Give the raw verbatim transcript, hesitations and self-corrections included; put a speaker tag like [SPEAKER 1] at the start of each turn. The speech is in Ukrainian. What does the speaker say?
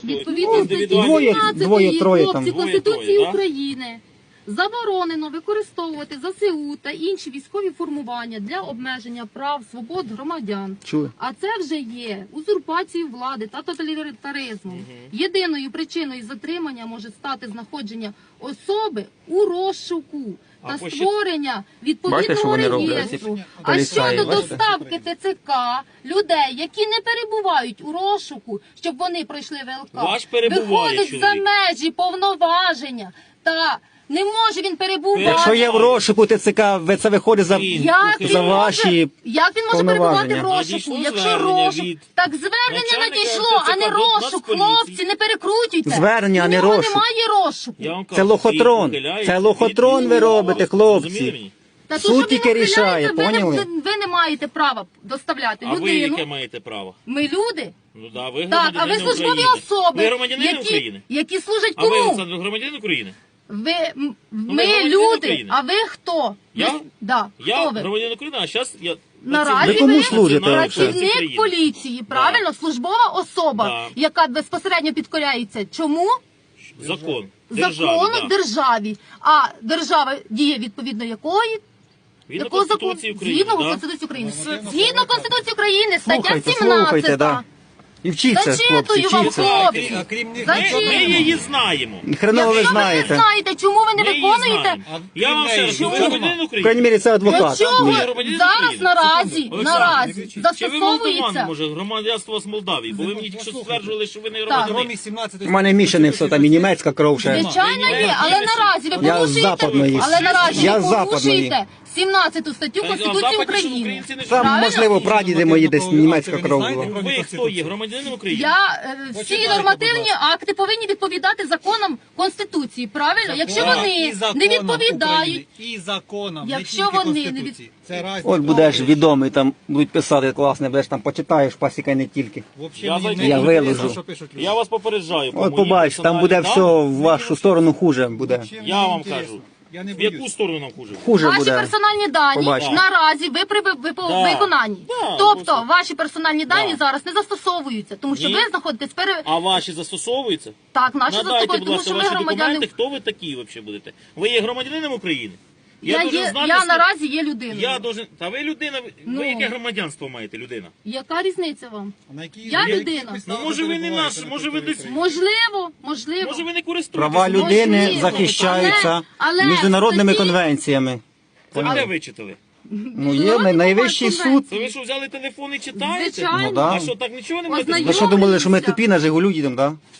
[SPEAKER 1] Відповідно статті
[SPEAKER 2] Двоє- двоє, троє там.
[SPEAKER 1] хлопці
[SPEAKER 2] Двоє,
[SPEAKER 1] Конституції
[SPEAKER 2] троє, да?
[SPEAKER 1] України заборонено використовувати ЗСУ та інші військові формування для обмеження прав, свобод громадян.
[SPEAKER 2] Чули?
[SPEAKER 1] А це вже є узурпацією влади та тоталітаризмом. Єдиною причиною затримання може стати знаходження особи у розшуку та
[SPEAKER 3] А по що-
[SPEAKER 1] створення
[SPEAKER 2] Бачите, що
[SPEAKER 1] відповідного
[SPEAKER 2] вони роблять?
[SPEAKER 1] реєстру. А
[SPEAKER 2] Поліцаї,
[SPEAKER 1] щодо
[SPEAKER 2] бачите?
[SPEAKER 1] доставки ТЦК людей, які не перебувають у розшуку, щоб вони пройшли ВЛК,
[SPEAKER 3] Ваш перебуває
[SPEAKER 1] виходить за
[SPEAKER 3] чоловік.
[SPEAKER 1] межі повноваження та не може він перебувати.
[SPEAKER 2] Якщо є в розшуку ТЦК, ви- це виходить за,
[SPEAKER 3] Він-
[SPEAKER 1] Як він,
[SPEAKER 2] за
[SPEAKER 1] може,
[SPEAKER 2] ваші
[SPEAKER 1] як він може перебувати в
[SPEAKER 2] повноваження.
[SPEAKER 1] розшуку?
[SPEAKER 3] Надійшло
[SPEAKER 1] Якщо
[SPEAKER 3] звернення
[SPEAKER 1] розшук,
[SPEAKER 3] від
[SPEAKER 1] так звернення
[SPEAKER 3] начальника
[SPEAKER 1] надійшло, а не
[SPEAKER 3] ТЦК до
[SPEAKER 1] розшук.
[SPEAKER 3] Нацполіції.
[SPEAKER 1] Хлопці, не перекрутюйте.
[SPEAKER 2] Звернення, а
[SPEAKER 1] У
[SPEAKER 2] не
[SPEAKER 1] нього
[SPEAKER 2] розшук.
[SPEAKER 1] немає розшуку.
[SPEAKER 3] Я вам кажу,
[SPEAKER 2] Це лохотрон.
[SPEAKER 3] він ухиляється
[SPEAKER 2] Це
[SPEAKER 3] від-
[SPEAKER 2] лохотрон ви робите, хлопці.
[SPEAKER 3] Зрозуміли мені?
[SPEAKER 1] Та
[SPEAKER 2] Суд
[SPEAKER 1] то, що
[SPEAKER 2] тільки
[SPEAKER 1] він
[SPEAKER 2] рішає,
[SPEAKER 1] ухиляється, ви не-
[SPEAKER 2] поняли?
[SPEAKER 1] Ви, ви не маєте права доставляти
[SPEAKER 3] А ви
[SPEAKER 1] людину.
[SPEAKER 3] яке маєте право?
[SPEAKER 1] Ми люди.
[SPEAKER 3] Ну да, ви
[SPEAKER 1] Так, а ви
[SPEAKER 3] громадянин
[SPEAKER 1] службові
[SPEAKER 3] України.
[SPEAKER 1] особи,
[SPEAKER 3] Ви громадянин
[SPEAKER 1] які,
[SPEAKER 3] України?
[SPEAKER 1] які служать
[SPEAKER 3] А ви,
[SPEAKER 1] кому?
[SPEAKER 3] Олександр, громадянин України?
[SPEAKER 1] Ви, м-
[SPEAKER 3] ви
[SPEAKER 1] ми
[SPEAKER 3] громадянин
[SPEAKER 1] люди,
[SPEAKER 3] України?
[SPEAKER 1] а ви хто?
[SPEAKER 3] Я?
[SPEAKER 1] Ви, да,
[SPEAKER 3] Я
[SPEAKER 1] хто ви?
[SPEAKER 3] громадянин України, а зараз я...
[SPEAKER 1] Наразі
[SPEAKER 2] Ви кому
[SPEAKER 1] ви
[SPEAKER 2] служите?
[SPEAKER 1] працівник
[SPEAKER 3] України.
[SPEAKER 1] поліції, правильно? Службова особа,
[SPEAKER 3] Да.
[SPEAKER 1] яка безпосередньо підкоряється чому?
[SPEAKER 3] Закон. Державі,
[SPEAKER 1] Закону
[SPEAKER 3] да.
[SPEAKER 1] державі. А держава діє відповідно якої?
[SPEAKER 3] Згідно
[SPEAKER 1] Якого закону?
[SPEAKER 3] Конституції України,
[SPEAKER 1] Згідно
[SPEAKER 3] да?
[SPEAKER 1] Конституції України. Згідно Конституції України, стаття
[SPEAKER 2] Слухайте,
[SPEAKER 1] сімнадцята.
[SPEAKER 2] слухайте, да. І вчіться, хлопці,
[SPEAKER 1] Зачитую вам,
[SPEAKER 2] вчіться.
[SPEAKER 1] хлопці.
[SPEAKER 4] А крім них
[SPEAKER 3] Ми,
[SPEAKER 1] Зачем?
[SPEAKER 3] ми її знаємо.
[SPEAKER 2] І хреново ви
[SPEAKER 1] Якщо ви не
[SPEAKER 2] знаєте.
[SPEAKER 1] знаєте, чому ви не
[SPEAKER 3] Ми її
[SPEAKER 1] виконуєте?
[SPEAKER 3] знаємо. Я вам ще раз,
[SPEAKER 4] Чому?
[SPEAKER 3] ви громадянин
[SPEAKER 2] В
[SPEAKER 3] України?
[SPEAKER 2] крайній мірі, це
[SPEAKER 1] Для
[SPEAKER 2] адвокат.
[SPEAKER 1] чого
[SPEAKER 2] Ні.
[SPEAKER 3] громадянин
[SPEAKER 1] зараз
[SPEAKER 3] України.
[SPEAKER 1] наразі,
[SPEAKER 3] Олександр,
[SPEAKER 1] наразі
[SPEAKER 3] Чи ви молдаван,
[SPEAKER 1] застосовується?
[SPEAKER 3] може, громадянство з Молдавії? Бо ви мені тільки що стверджували, що ви не
[SPEAKER 1] Так.
[SPEAKER 3] громадянин.
[SPEAKER 4] Кромі сімнадцятої
[SPEAKER 2] У мене мішане все, там і німецька кров ще.
[SPEAKER 1] Звичайно є, але наразі ви
[SPEAKER 2] Я з
[SPEAKER 1] порушуєте,
[SPEAKER 2] западної.
[SPEAKER 1] але наразі
[SPEAKER 2] Я
[SPEAKER 1] ви
[SPEAKER 2] з западної.
[SPEAKER 1] порушуєте сімнадцяту статтю
[SPEAKER 3] Та,
[SPEAKER 1] Конституції
[SPEAKER 3] западні, що
[SPEAKER 1] України.
[SPEAKER 3] українці не
[SPEAKER 2] Там,
[SPEAKER 3] живуть.
[SPEAKER 1] Правильно?
[SPEAKER 2] можливо, прадіди мої десь німецька кров була.
[SPEAKER 3] Ви хто є? Громадянин України?
[SPEAKER 1] Я е, всі
[SPEAKER 4] Почитайте,
[SPEAKER 1] нормативні
[SPEAKER 4] будь ласка.
[SPEAKER 1] акти повинні відповідати законам Конституції. Правильно? Якщо
[SPEAKER 4] Так,
[SPEAKER 1] вони
[SPEAKER 4] і
[SPEAKER 1] не
[SPEAKER 4] законам
[SPEAKER 1] відповідають,
[SPEAKER 4] України, і законам,
[SPEAKER 1] Якщо
[SPEAKER 4] не тільки
[SPEAKER 1] вони не
[SPEAKER 4] Конституції.
[SPEAKER 1] від-
[SPEAKER 4] Це разні
[SPEAKER 2] От будеш
[SPEAKER 4] правила.
[SPEAKER 2] відомий, там будуть писати класне, будеш там почитаєш, пасіка й не тільки.
[SPEAKER 4] Вообще
[SPEAKER 3] Я
[SPEAKER 4] мені
[SPEAKER 3] зайду.
[SPEAKER 4] не
[SPEAKER 2] Я
[SPEAKER 4] інтересно,
[SPEAKER 2] виложу.
[SPEAKER 4] що пишуть люди.
[SPEAKER 3] Я вас попереджаю. по
[SPEAKER 2] От
[SPEAKER 3] моїй
[SPEAKER 2] побачиш, там буде
[SPEAKER 3] персональній
[SPEAKER 2] все
[SPEAKER 3] дані.
[SPEAKER 2] в вашу сторону хуже буде.
[SPEAKER 4] Вообще мені
[SPEAKER 3] Я вам
[SPEAKER 4] інтересно.
[SPEAKER 3] кажу.
[SPEAKER 4] Я не
[SPEAKER 3] В яку
[SPEAKER 4] боюсь.
[SPEAKER 3] сторону нам хуже?
[SPEAKER 2] Хуже
[SPEAKER 1] ваші
[SPEAKER 2] буде.
[SPEAKER 1] персональні дані
[SPEAKER 2] Побачимо.
[SPEAKER 1] наразі ви при ви- ви-
[SPEAKER 3] Да.
[SPEAKER 1] виконанні.
[SPEAKER 3] Да,
[SPEAKER 1] Тобто
[SPEAKER 3] просто.
[SPEAKER 1] ваші персональні дані
[SPEAKER 3] Да.
[SPEAKER 1] зараз не застосовуються, тому що
[SPEAKER 3] Ні.
[SPEAKER 1] ви знаходитесь пере...
[SPEAKER 3] А ваші застосовуються?
[SPEAKER 1] Так, наші
[SPEAKER 3] Надайте,
[SPEAKER 1] застосовуються,
[SPEAKER 3] будь
[SPEAKER 1] тому
[SPEAKER 3] ласка,
[SPEAKER 1] що ви
[SPEAKER 3] ваші
[SPEAKER 1] громадяни.
[SPEAKER 3] документи. Хто ви такі взагалі будете? Ви є громадянином України?
[SPEAKER 1] Я,
[SPEAKER 3] должен
[SPEAKER 1] є,
[SPEAKER 3] знати,
[SPEAKER 1] я
[SPEAKER 3] скільки-
[SPEAKER 1] наразі є людиною.
[SPEAKER 3] Я должен... Та ви людина, ви-
[SPEAKER 1] Ну.
[SPEAKER 3] ви яке громадянство маєте, людина?
[SPEAKER 1] Яка різниця вам?
[SPEAKER 4] А на які-
[SPEAKER 1] Я
[SPEAKER 4] на яких
[SPEAKER 1] людина.
[SPEAKER 4] підставах
[SPEAKER 3] Ну, може, ви не
[SPEAKER 4] перебуваєте
[SPEAKER 3] наш,
[SPEAKER 4] на
[SPEAKER 3] може, ви
[SPEAKER 4] території
[SPEAKER 3] десь-
[SPEAKER 4] України?
[SPEAKER 1] Можливо, можливо.
[SPEAKER 3] Може ви не користуєтеся?
[SPEAKER 2] Права людини
[SPEAKER 1] Можливо.
[SPEAKER 2] захищаються
[SPEAKER 1] Але- але
[SPEAKER 2] міжнародними
[SPEAKER 1] статті-
[SPEAKER 2] конвенціями.
[SPEAKER 3] Це ви де вичитали?
[SPEAKER 2] Ну є най- найвищий суд.
[SPEAKER 3] Це ви що, взяли телефон і читаєте?
[SPEAKER 1] Звичайно.
[SPEAKER 2] Ну, да.
[SPEAKER 3] А що, так нічого не
[SPEAKER 1] Ознайомлюсь.
[SPEAKER 3] можете
[SPEAKER 2] Ви що думали, що ми тупі на Жигулю їдемо, так? Да?